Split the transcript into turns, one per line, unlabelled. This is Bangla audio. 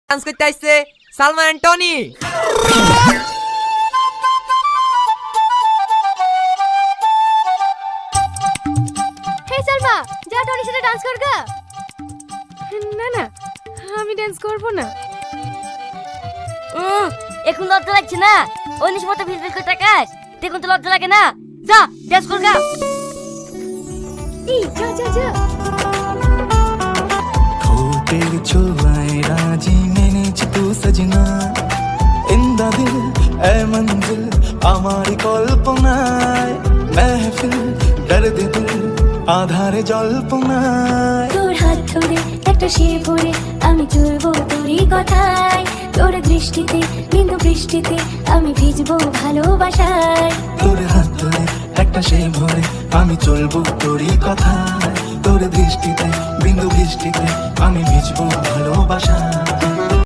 ডান্স করতে আসছে Salman and Tony.
Hey Salma, যা টনির সাথে ডান্স কর গা। না না, আমি ডান্স করব না।
এখন লজ্জা লাগছে না? অনিশ মতো ভিজভিজ করে তাকাস, দেখুন তো লজ্জা লাগে না? যা ডান্স কর গা।
এই যা যা যা।
ঠোঁটের ছোঁয়ায় রাজি মেনেছি তু সजना इंदा दिल ए मंजिल हमारी कल्पनाয় महफिल दर्द दिल আধারে জল্পনায়
তোর হাত ধরে একটা সে ভরে আমি চলবো তোরই কথায় তোর দৃষ্টিতে বিন্দু বৃষ্টিতে আমি ভিজবো ভালোবাসায়
তোর হাত ধরে একটা সে ভরে আমি চলবো তোরই কথায় তোর দৃষ্টিতে বিন্দু বৃষ্টিতে আমি ভিজবো ভালোবাসায়